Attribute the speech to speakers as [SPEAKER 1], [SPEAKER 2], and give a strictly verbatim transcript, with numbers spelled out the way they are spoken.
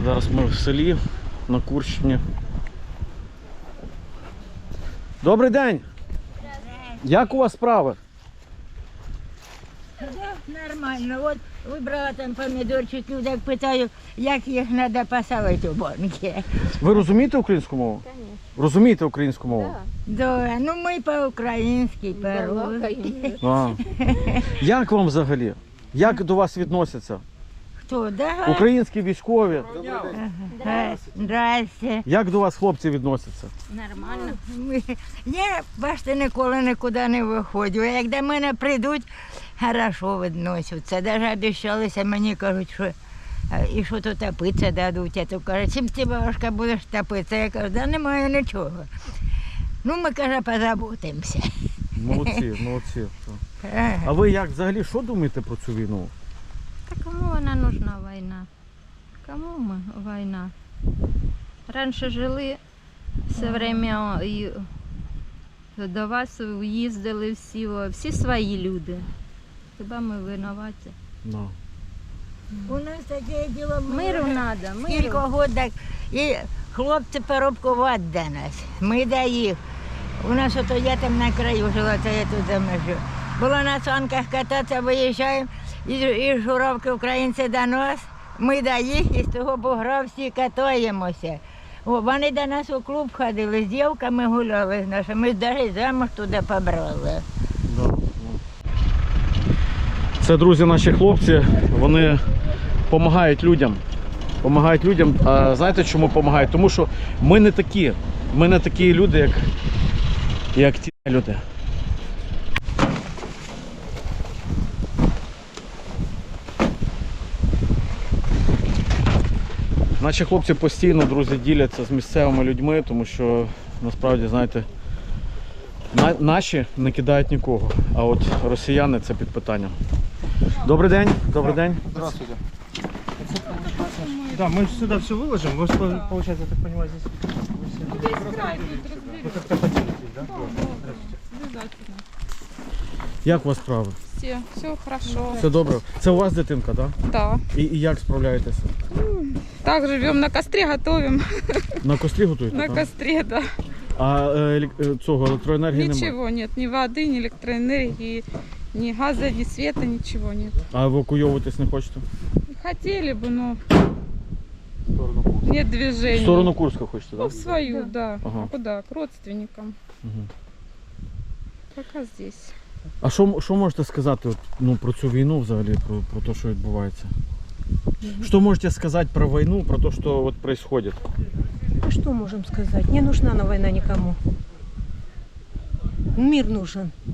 [SPEAKER 1] Зараз ми в селі на Курщині. Добрий день! Як у вас справи?
[SPEAKER 2] Да, нормально. От вибрала там помідорчик, так питаю, як їх треба посадити у банки.
[SPEAKER 1] Ви розумієте українську мову?
[SPEAKER 3] Конечно.
[SPEAKER 1] Розумієте українську мову?
[SPEAKER 2] Да, ну ми по-українськи, по-русски.
[SPEAKER 1] А. Як вам взагалі? Як до вас відносяться?
[SPEAKER 2] Хто, да?
[SPEAKER 1] Українські військові?
[SPEAKER 2] Ага. Здрасте.
[SPEAKER 1] Як до вас хлопці відносяться?
[SPEAKER 3] Нормально.
[SPEAKER 2] Ми- Я, бачите, ніколи нікуди не виходжу. Як до мене прийдуть, хорошо відносяться. Навіть обіцялися, мені кажуть, що а, і що то топитися дадуть. А то кажуть, чим ти, бабушка, будеш топитися? Я кажу, да немає нічого. Ну, ми, каже, позаботимося.
[SPEAKER 1] Молодці, молодці.
[SPEAKER 2] Ага.
[SPEAKER 1] А ви як взагалі, що думаєте про цю війну?
[SPEAKER 3] Та кому вона нужна війна? Кому ми війна? Раніше жили все время і до вас їздили всі, всі свої люди. Хіба ми винуваті?
[SPEAKER 1] No.
[SPEAKER 2] У нас таке діло
[SPEAKER 3] Миру треба,
[SPEAKER 2] Кілька
[SPEAKER 3] миру.
[SPEAKER 2] годин і хлопці перебкувати до нас. Ми до їх. У нас ото я там на краю жила, це я тут за межу. Було на санках кататися, виїжджаємо, і, і журавки українці до нас, ми до їх, і з того бугра всі катаємося. О, вони до нас у клуб ходили, з дівками гуляли з нашими, навіть замуж туди побрали.
[SPEAKER 1] Да, ну. Це, друзі, наші хлопці, вони допомагають людям. Помагають людям. А знаєте, чому допомагають? Тому що ми не такі. Ми не такі люди, як, як ті люди. Наші хлопці постійно, друзі, діляться з місцевими людьми, тому що, насправді, знаєте, на, наші не кидають нікого, а от росіяни – це під питанням. Добрий день, добрий день.
[SPEAKER 4] Здравствуйте. Да, мы сюда все выложим. Вы, что, получается, я так понимаю, здесь... Вы как-то поделитесь, да? Здравствуйте.
[SPEAKER 5] Обязательно.
[SPEAKER 1] Як у вас справи?
[SPEAKER 5] Все, все хорошо.
[SPEAKER 1] Все добре. Це у вас дитинка, так?
[SPEAKER 5] Да.
[SPEAKER 1] І, і як справляєтеся?
[SPEAKER 5] Так живем на костре, готовим.
[SPEAKER 1] На кострі готуєте?
[SPEAKER 5] На
[SPEAKER 1] так?
[SPEAKER 5] костре, да.
[SPEAKER 1] А е, елек- е, цього електроенергії немає?
[SPEAKER 5] Ничего нет, ни воды, ни электроэнергии, ни газа, ни света, ничего нет.
[SPEAKER 1] А евакуйовуватись не хочете?
[SPEAKER 5] Хотели бы, но нет
[SPEAKER 1] В
[SPEAKER 5] движения.
[SPEAKER 1] сторону Курська хочете,
[SPEAKER 5] Ну,
[SPEAKER 1] так?
[SPEAKER 5] в свою, да.
[SPEAKER 1] Ага.
[SPEAKER 5] А куда? К родственникам.
[SPEAKER 1] Угу.
[SPEAKER 5] Пока здесь.
[SPEAKER 1] А що, що можете сказати от, ну, про цю війну взагалі, про, про те, що відбувається? Що можете сказати про війну, про те, що от происходит?
[SPEAKER 6] А что можем сказать? Не нужна на война никому. Мир нужен.